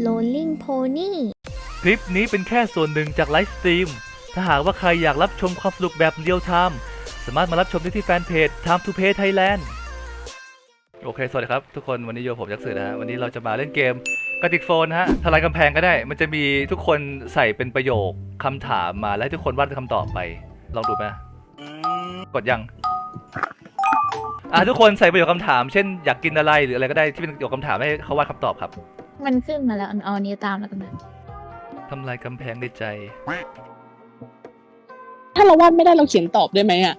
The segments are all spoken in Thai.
Rolling Pony คลิปนี้เป็นแค่ส่วนหนึ่งจากไลฟ์สตรีมถ้าหากว่าใครอยากรับชมความสนุกแบบเรียลไทม์สามารถมารับชมได้ที่แฟนเพจ Time to Play Thailand โอเคสวัสดีครับทุกคนวันนี้โยผมยักษ์สื่อนะฮะวันนี้เราจะมาเล่นเกมกระติกโฟนนะฮะทลายกำแพงก็ได้มันจะมีทุกคนใส่เป็นประโยคคำถามมาแล้วให้ทุกคนวาดคำตอบไปลองดูไหมกดยังทุกคนใส่ประโยคคำถามเช่นอยากกินอะไรหรืออะไรก็ได้ที่เป็นประโยคคำถามให้เขาวาดคำตอบครับมันขึ้นมาแล้วเอานี้ตามแล้วกันนะทำลายกำแพงในใจถ้าเราวาดไม่ได้เราเขียนตอบได้ไหมอ่ะ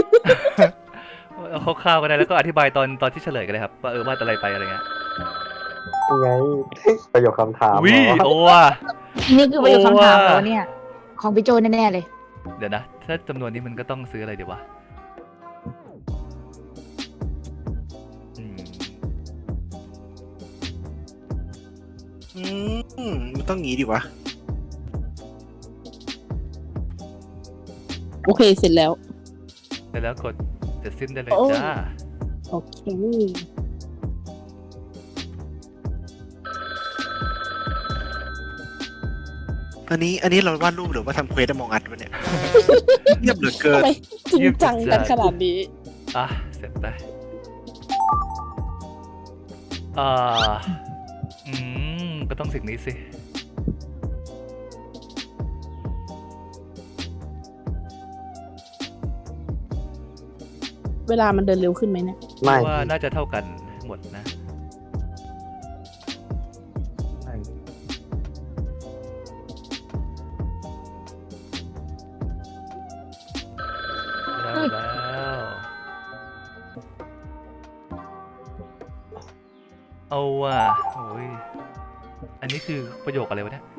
เอาคร่าวๆก็ได้แล้วก็อธิบายตอนที่เฉลยกันเลยครับว่าวาดอะไรไปอะไรเงี้ยยังไงประโยคคำถามวิโอว่ะนี่คือประโยคคำถามแล้วเนี่ยของพี่โจแน่ๆเลยเดี๋ยวนะถ้าจำนวนนี้มันก็ต้องซื้ออะไรดีวะมันต้องงี้ดิวะโอเคเสร็จแล้วกดเสร็จสิ้นได้เลยจ้าโอเคอันนี้เราวาดรูปหรือว่าทำเควสมองอัดวะเนี่ย เงียบเหลือเกินจริงจังกันขนาดนี้เสร็จได้ก็ต้องสิ่งนี้สิเวลามันเดินเร็วขึ้นไหมเนี่ยไม่ว่าน่าจะเท่ากันหมดนะแล้วเอาว่ะโอ้ยอันนี้คือประโยคอะไรวะเนี่ย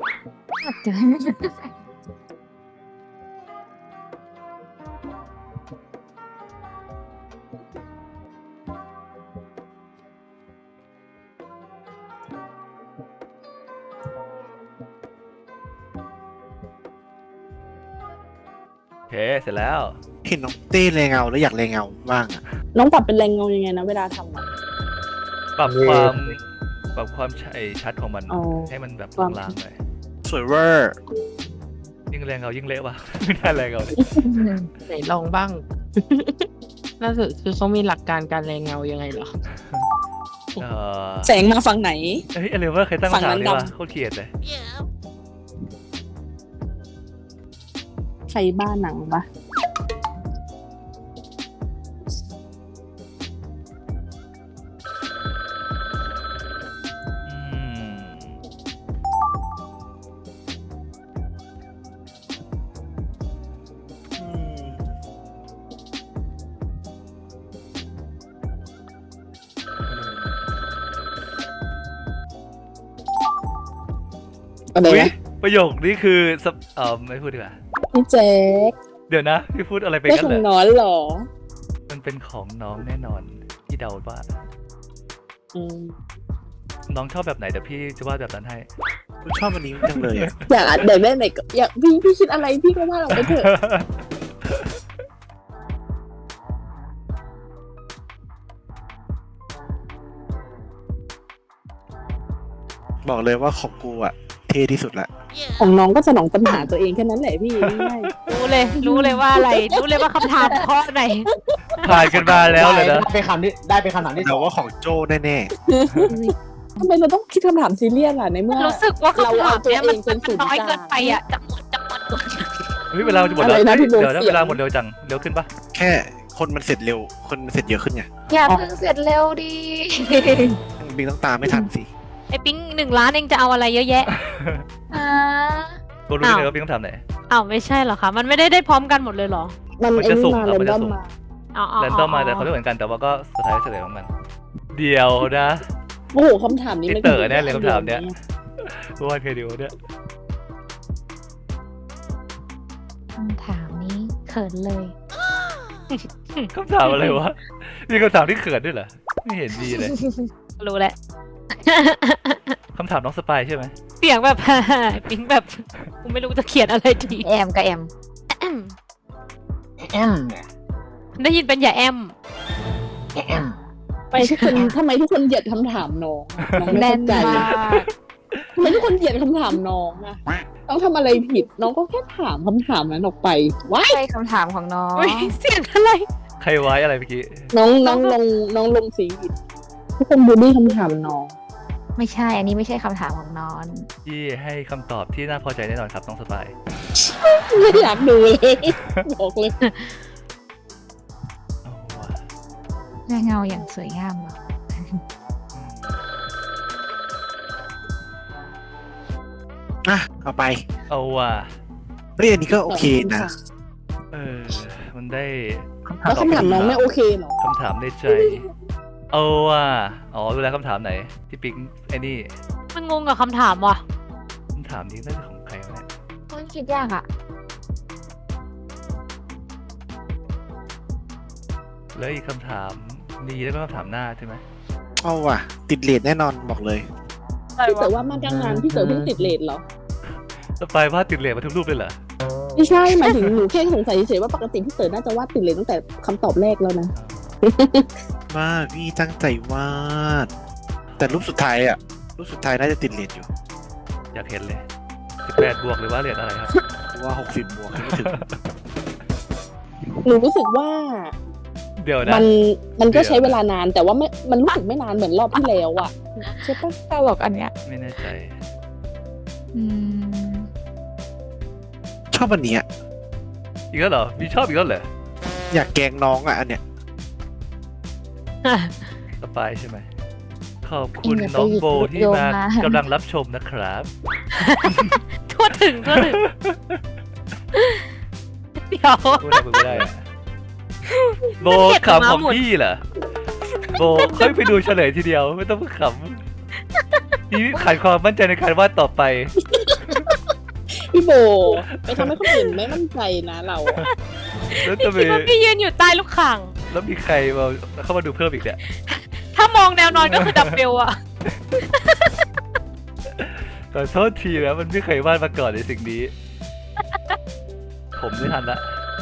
โอเคเสร็จแล้วเห็นน้องเต้แรงเงาแล้วอยากแรงเงาบ้างอะน้องปรับเป็นแรงเงายังไงนะเวลาทำปรับความชัดของมันให้มันแบบลางๆหน่อยสวยเวอร์ยิ่งแรงเงายิ่งเละว่ะไม่น่าแรงเงาเลยไหนลองบ้างน่าจะคือเขามีหลักการการแรงเงายังไงเหรอแสงมาฝั่งไหนอะไรวะเคยตั้งคำถามนี้วะโคตรเกลียดเลยใครบ้าหนังปะอะไรนะประโยคนี้คือไม่พูดดีกว่าพี่แจ๊คเดี๋ยวนะพี่พูดอะไรไปกันเหรอของน้องเหรอมันเป็นของน้องแน่นอนพี่เดาว่าน้องชอบแบบไหนเดี๋ยวพี่จะวาดแบบนั้นให้คุณชอบอันนี้จังเลยอยากได้ไหนก็อยากพี่คิดอะไรพี่ก็วาดออกไปเถอะบอกเลยว่าของกูอะเท่ที่สุดละของน้องก็สนองปัญหาตัวเองแค่นั้นแหละพี่ง่ายรู้เลยว่าอะไรรู้เลยว่าคำถามข้อไหนผ่านกันมาแล้วเลยนะเป็นคำถามที่แต่ว่าของโจ้แน่ๆทำไมเราต้องคิดคำถามซีเรียสล่ะในเมื่อรู้สึกว่าคำถามเนี้ยมันน้อยเกินไปอ่ะจะหมดเวลาจะหมดแล้วเดี๋ยวเวลาหมดเร็วจังเร็วขึ้นปะแค่คนมันเสร็จเร็วคนมันเสร็จเยอะขึ้นไงอย่าเพิ่งเสร็จเร็วดิบิงต้องตามไม่ทันสิไอ้ปิ๊ง1 ล้านเองจะเอาอะไรเยอะแยะกูรู้เลยว่าพี่ต้องทำไหนไม่ใช่หรอคะมันไม่ได้พร้อมกันหมดเลยหรอมันจะสุ่มมันจะสุ่มแรนดอมมาแต่เขาไม่เหมือนกันแต่ว่าก็สุดท้ายเฉลยของมันเดียวนะโอ้โหคำถามนี้ไม่เต๋อแน่เลยคำถามเนี้ยว่าเคยดูเนี่ยคำถามนี้เขินเลยคำถามอะไรวะมีคำถามที่เขินด้วยเหรอไม่เห็นดีเลยรู้แหละคำถามน้องสปายใช่ไหมเสียงแบบปิ๊งแบบกูไม่รู้จะเขียนอะไรดีแอมกับแอมได้ยินเป็นอย่าแอมไปทุกคนทำไมทุกคนเหยียดคำถามน้องไม่เข้าใจทำไมทุกคนเกลียดคำถามน้องอะน้องทำอะไรผิดน้องก็แค่ถามคำถามนั้นออกไปว้ายใช่คำถามของน้องอุ๊ยเสียงอะไรใครไว้อะไรเมื่อกี้น้องลงสีผิดทุกคนบูลลี่คำถามน้องไม่ใช่ อันนี้ไม่ใช่คำถามของน้องที่ให้คำตอบที่น่าพอใจแน่นอนครับน้องสปายไม่อยากดูเลยบอกเลยเอาว่ะแม่เงาอย่างสวยงามเหรออ่ะเอาไปเอาว่ะเฮ้ยอันนี้ก็โอเคนะมันได้แล้วคำถามน้องไม่โอเคเหรอคำถามในใจ เอาว่ะอ๋อดูแลวคำถามไหนที่ปิ๊งไอ้นี่มันงงกับคำถามว่ะคำถามนี้น่าจะของใครวะเนี่ยมันคิดยากอ่ะแล้วอีกคำถามดีแล้วก็คำถามหน้าใช่ไหมเอาว่ะ ติดเลทแน่นอนบอกเลยพี่เต๋อว่ามาตั้งนานพี่เต๋อเพิ่งติดเลทเหรอสปายวาดติดเหรียญมาทุกรูปเลยเหรอไม่ใช่หมายถึงหนูแค่สงสัยเฉยๆว่าปกติพี่เต๋อน่าจะวาดติดเลทตั้งแต่คำตอบแรกแล้วนะมากพี่ตั้งใจวาด แต่รูปสุดท้ายอ่ะ รูปสุดท้ายน่าจะติดเลทอยู่อยากเห็นเลย18 บวกหรือว่าเหรียญอะไรครับเพราะว่า60 บวกยังไม่ถึงหนูรู้สึกว่าเดี๋ยวนะมันก็ใช้เวลานานแต่ว่ามันรู้สึกไม่นานเหมือนรอบที่แล้วอะใช่ปะตลกอันเนี้ยไม่แน่ใจอืมชอบอันเนี้ยอีกแล้วเหรอ มีชอบอีกแล้วเหรออยากแกล้งน้องอ่ะอันเนี้ยสปายใช่ไหม ขอบคุณน้องโบที่มากำลังรับชมนะครับทั่วถึงเดี๋ยวพูดอะไรไม่ได้อะโบขำของพี่เหรอ โบค่อยไปดูเฉลยทีเดียว ไม่ต้องขำพี่ขาดความมั่นใจในการวาดต่อไปพี่โบไปทำให้คนอื่นไม่มั่นใจนะเราอะแล้วพี่จะไปคิดว่าพี่ยืนอยู่ใต้ลูกข่างแล้วมีใครมาเข้ามาดูเพิ่มอีกเนี่ยถ้ามองแนวนอนก็คือดับเบลอะขอโทษทีนะมันไม่เคยวาดมาก่อนในสิ่งนี้ ผมไม่ทันละ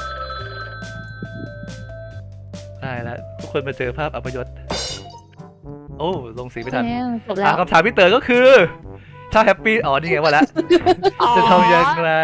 ได้แล้วทุกคนมาเจอภาพอัปยศโอ้ลงสีไม่ทันจบแล้วคำถามพี่เต๋อก็คือ ถ้าแฮปปี้อ๋อนี่ไงว่าแล้ว จะทำยังไง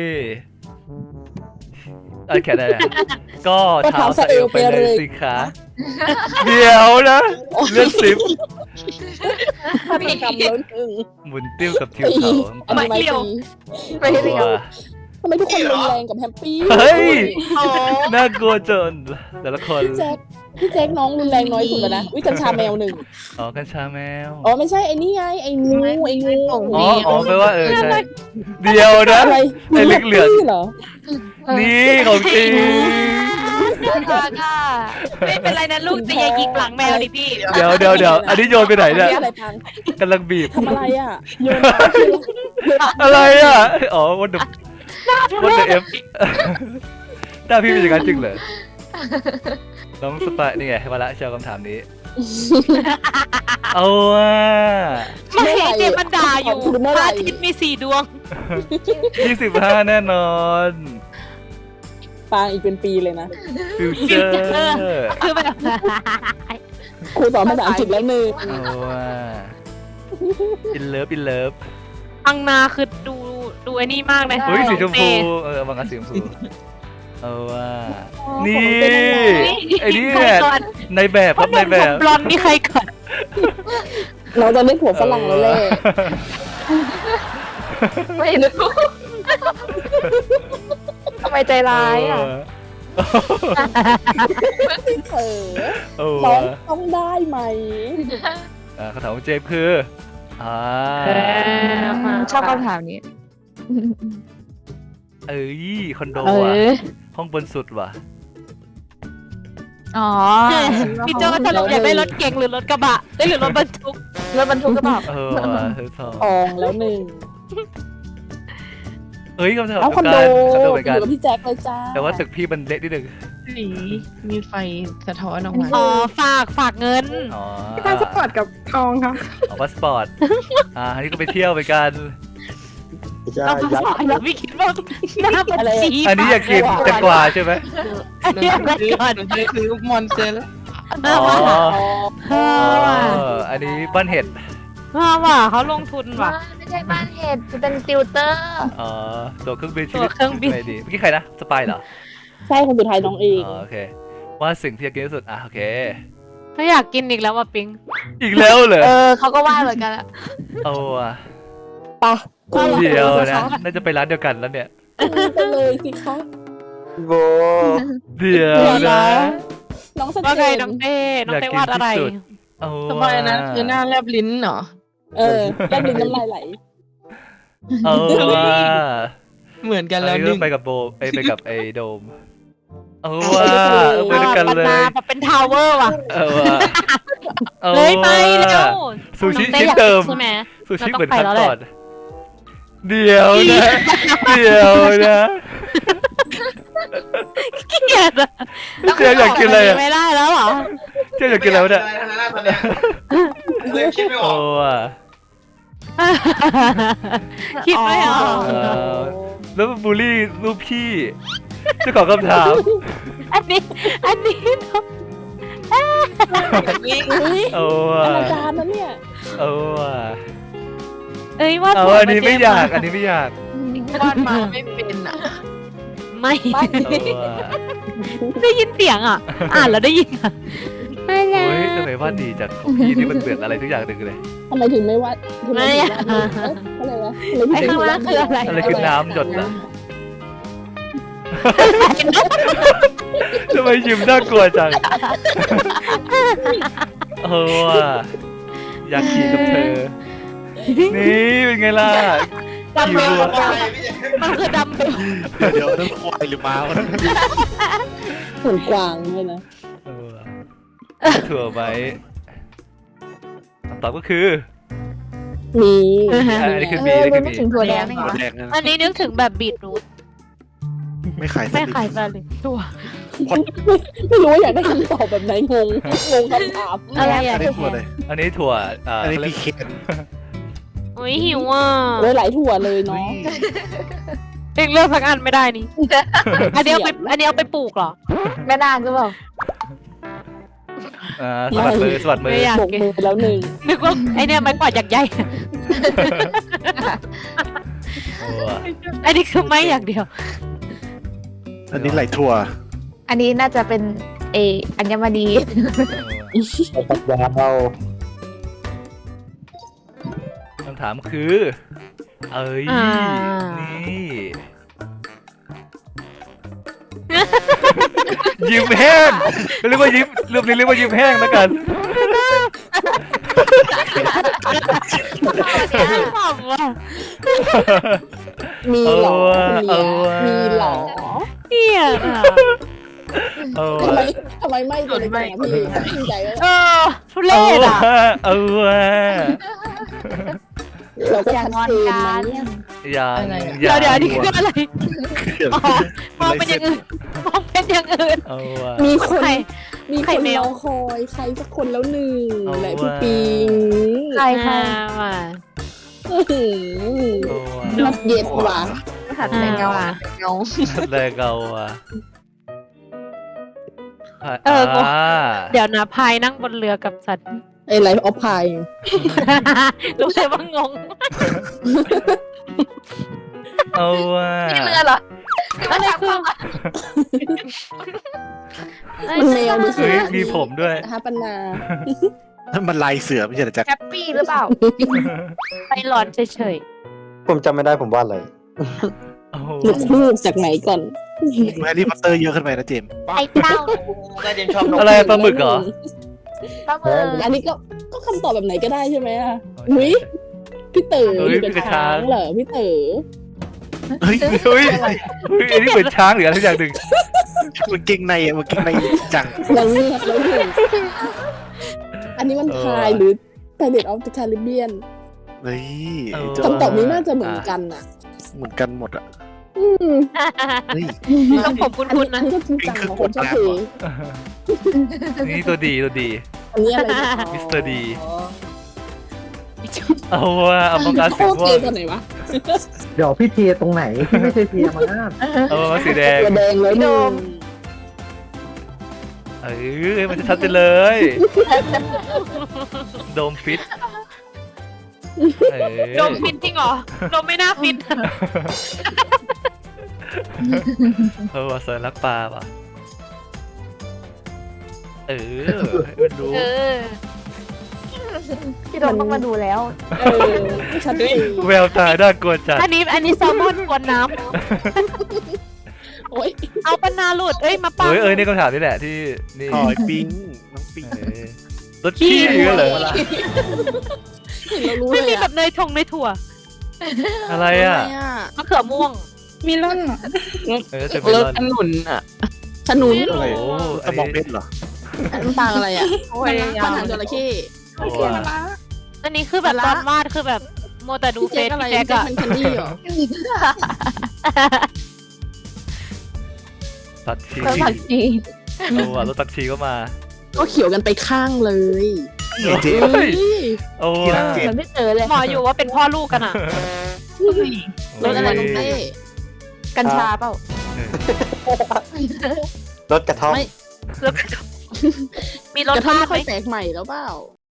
แค่นั้นแหละก็เท้าสะเอวไปเลยสิคะเดี๋ยวนะเลือดสิบฆาตกรรมแล้วหนึ่งหมุนติ้วกับทิวเขาอันนี้ไม่ตีไม่เรียวทำไมทุกคนรุนแรงกับแฮปปี้เฮ้ยน่ากลัวจนแต่ละคนพี่แจ็คน้องรุนแรงน้อยสุดแล้วนะวิกัญชาแมวหนึ่งอ๋อกัญชาแมวอ๋อไม่ใช่ไอ้นี่ไงไอ้งูอ๋อแปลว่าใช่เดียวนะอะไรไอ้เหลืองๆเหรอนี่ของจริงไม่เป็นไรนะลูกแต่อย่ายิกหลังแมวดิพี่เดี๋ยวอันนี้โยนไปไหนเนี่ยอะไรพังกำลังบีบทำอะไรอ่ะโยนอะไรอ่ะอ๋อวันเดอเอฟหน้าพี่เป็นอย่างนั้นจริงเหรอน้องสปายนี่ไงมาละเชียวคำถามนี้ เอาว่ะไม่เจมันด่าอยู่พระอาทิตย์มี4 ดวง 25แน่นอนปางอีกเป็นปีเลยนะฟิวเจอร์คือแบบครูสอนภาษาอังกฤษแล้วหนึ่งเอาว่ะอินเลิฟอังนาคือดูไอ้นี่มากเลยเฮ้ยสีชมพูเต้บางอันสีชมพูเอาว่าของนี่เป็นยังไงไอ้นี่ใครแหละก่อนในแบบครับในแบบบลอนนี่ใครก่อนเราจะได้ผัวฝรั่งแล้วแหละไม่รู้ทำไมใจร้ายอ่ะเออเอาน้องว่ะต้องได้ไหมคำถามของเจมส์คือชอบคำถามนี้เอ้ยคอนโดเอว่ะอห้องบนสุดว่ะอ๋อพี่โจถ้าเราอยากได้รถเก๋งหรือรถกระบะได้หรือรถบรรทุกรถบรรทุกก็บอกว่ะเธอทองอองแล้วหนึ่งเอ้ยคำถามเอาคอนโดคอนโดอเหมือนกันยู่กับพี่แจ็คเลยจ้าแต่ว่าตึกพี่มันเล็กนิดนึงสีมีไฟสะท้อนออกมาอ๋อฝากเงินอ๋อพาสปอร์ตกับทองค่ะพาสปอร์ตอันนี้ก็ไปเที่ยวไปกันเรายัดฝากเราไม่คิดว่าหน้าบัญชีอันนี้อยากกินแตงกวาใช่ไหมอันนี้อะไรก่อนหนูจะซื้อมอนสเตอร์อ๋ออ๋ออ๋ออันนี้บ้านเห็ดว่ะเขาลงทุนว่ะไม่ใช่บ้านเห็ดจะเป็นติวเตอร์อ๋อตัวเครื่องบินชีตัวิวตเครื่องบินไหนดีเมื่อกี้ใครนะสปายเหรอใช่คนสุดท้ายน้องเองอ๋อโอเคว่าสิ่งที่อยากกินที่สุดโอเคเขาอยากกินอีกแล้วว่ะปิงอีกแล้วเหรอเขาก็ว่าเหมือนกันอะเอาว่ะปะเดี๋ยวนะน่าจะไปร้านเดียวกันแล้วเนี่ยไปเลยสิคะโบเดี๋ยวนะน้องสว่าเตไงนน้องเต้น้องเต้วาดอะไรอยากกินที่สุด เอาทำไมนะคือหน้าแลบลิ้นเหรอแล้วดึงน้ำลายไหลเอาว่ะเหมือนกันอันแล้วนี้นึก็งไปกับโบไปกับไอ้โดมเอาว่ะไปด้วยกันเลยมาเป็นทาวเวอร์ว่ะเอาว่ะอาเลยไปว่ะเร็วซูชิน้องต้ชิ้นอยากเดิมใช่ไหมซูชิเราต้องเหมือนไปครั้งแล้วแหละก่อนเดี๋ยวนะเดี๋ยวนะเกลียดอะเจ๊อยากกินอะไรอ่ะไม่ได้แล้วเหรอเจ๊อยากกินอะไรวะเนี่ยเลยคิดไม่อโอ้อกว่ะคิดไม่ออกเออแล้วบูลลี่รูปพี่เจ้าของคำถามอันนี้โอ้ว่ะอนาจารย์นะเนี่ยโอ้ว่ะเอ้ยว่าเอาอันนี้ไม่อยากอันนี้ไม่อยากวาดมาไม่เป็นอ่ะไม่โอ้ว่ะได้ยินเสียงอ่ะ อ่านแล้วได้ยินอ่ะไม่โอ้ยทำไมว่าดีจังของพี่นี่มันเปลี่ยนอะไรทุกอย่างหนึ่งเลยทำไมถึงไม่วาดถึงไม่ถึงวาดรูปอะไรวะไอ้ข้างล่างคืออะไรอะไรคือน้ำหยดนะทำไมยิ้มน่ากลัวจังโอ้ว่ะอยากขี่กับเธอ นี่เป็นไงล่ะขี่วัวมันคือดำเบลเดี๋ยวนั่นควายหรือม้าวะเหมือนกวางเลยนะเออถั่วไหมคำตอบก็คือมีอันนี้คือ B อันนี้คือ B ไม่ถึงถั่วแดงนี่หรอแดงนั่นอันนี้นึกถึงแบบบีทรูทไม่ขายไม่ขายซะเลยตัวไม่รู้ว่าอยากได้คำตอบแบบไหนงงคำถามอะไรอัอ่ะนนี้ถั่วเลยอันนี้ถั่วอันนี้เขาเรีพียกเคนอุ้ยหิวอ่ะเลยหลายถั่วเลยเนาะเองเลือกสักอันไม่ได้นี่ อันนี้เอาไปปลูกเหรอแม่นางหรือเปล่าสวัสดมือสวัสดมือไม่อยากบกมือแล้วหนึ่งนึกว่าไอเนี่ยไม้กวาดอยากใหญ่โอ้ว่ะอันนี้คือไม่อย่างเดียวอันนี้ไหลถั่วอันนี้น่าจะเป็นอัญมณีปัญญาเราคำถามคือ เอ้ยอ่านี่ ยิ้มแห้งเรียกว่ายิ้มรูปนี้เรียกว่ายิ้มแห้งแล้วกันขำว่ะมีหรอเออว่ะมีหรอเหี้ยอ่ะเออทำไมไม่ตัวเล็กๆพี่ชื่นใจว่าเออทุเรเอาศว่ะอ่ะเอาว่ะเราก็อย่าชัดงอนเจนกัไหมนเนี่ยอย่างเดี๋ยวอันนี้คืออะไรเขียนอ๋อมองเป็นอย่างอื่นมองเป็นอย่างอื่นเอาว่ะมีคนใครมีคใครนแมรวอคอยใครสักคนแล้วหนึ่งเอาและพี่ว่ะปิงใครใครว่ะอื้อหือเอาว่ะนัดเย็ดว่ะหัดแต่เงาว่ะเงาแรงเอาว่ะเออกูอ่าเดี๋ยวนะพายนั่งบนเรือกับสัตว์ไอ้ไลฟ์ออฟพายรู้เลยว่างงเอาว่ะนี่เรือเหรออะไรคือมันแมวดูสิเฮ้ยมีผมด้วยนะคะปัญนานั่นมันลายเสือไม่ใช่เหรอแจ็คแฮปปี้หรือเปล่าไปร้อนเฉยผมจำไม่ได้ผมวาดอะไรโอ้โหลูกลูกจากไหนก่อนแฮร์รี่พอตเตอร์เยอะขึ้นไปนะเจมส์ๆไอ้เต้าน่าจะชอบนกอะไรปลาหมึกเหรอปลาหมึกอันนี้ก็คำตอบแบบไหนก็ได้ใช่ไหมอ่ะอุ้ยพี่เต๋อเฮ้ยอยู่กับพี่กระช้าช้างงเหรอพี่เต๋อเฮ้ยเฮ้ยอันนี้เหมือนช้างหรืออะไรสักอย่างหนึ่งมันเก่งในอ่ะมันเก่งในจังแล้วเลือกแล้วหนึ่งอันนี้มันพายหรือ Pirate of the Caribbean เฮ้ยคำตอบนี้น่าจะเหมือนกันอ่ะเหมือนกันหมดอ่ะอืมเฮ้ยต้องผมคุ้นๆนะอันนี้ก็จริงจังของคนชอบเพลงนี่ตัวดีตัวดีอันนี้อะไรเนี่ยมิสเตอร์ดี เอาว่ะเอามังกรโคสีตรม่วเกงย์ตัวไหนวะเดี๋ยวพี่เทตรงไหนที่ไม่ใช่เทียมาเอามังกรสีแดงตัวแดงเลยหนึ่งเออมันจะชัดไปเลย โดมฟิตโดมฟินจริงเหรอโดมไม่น่าฟินว่าเซอร์รักปลาป่ะมันรู้เออพี่โดนต้องมาดูแล้วชัดเจนแววตาน่ากลัวจัดอันนี้แซลมอนกวนน้โอ๊ยำเอาปนาหลุดเอ้ยมาปังนี่คำถามนี่แหละที่นี่คอยปิ้งน้องปิ้งรถขี้เหรอเห็นเรารู้ไม่เลมียแบบเนยทงเนยถั่วอะไรอ่ะมะเขือม่วงมีล่อนจะเป็นรรถถขนุนอ่ะขนุนอะไรโอ้สมองเพชรเหรอน้ำตาลอะไรอ่ะโอ้ยยาข้าววหางจระเข้อันนี้คือแบบตอนวาดคือแบบโมวแต่ดูพี่เฟเจ๊ซอะไรพี่แจ๊กแจ็คอะมันแคนดี้เหรอตัดชีแล้วผักชีรถตัดชีก็มาก็เขียวกันไปข้างเลยเจ๊เฮ้ยโอ้ที่รักเจ๊เหมือนไม่เจอเลยหมออยู่ว่าเป็นพ่อลูกกันอะรถอะไรน้องเต้กัญชาเปล่ารถกระท่อมไม่แล้วมีรถกระท่อมบ้านไม่ไหมค่อยแปลกใหม่แล้วเปล่า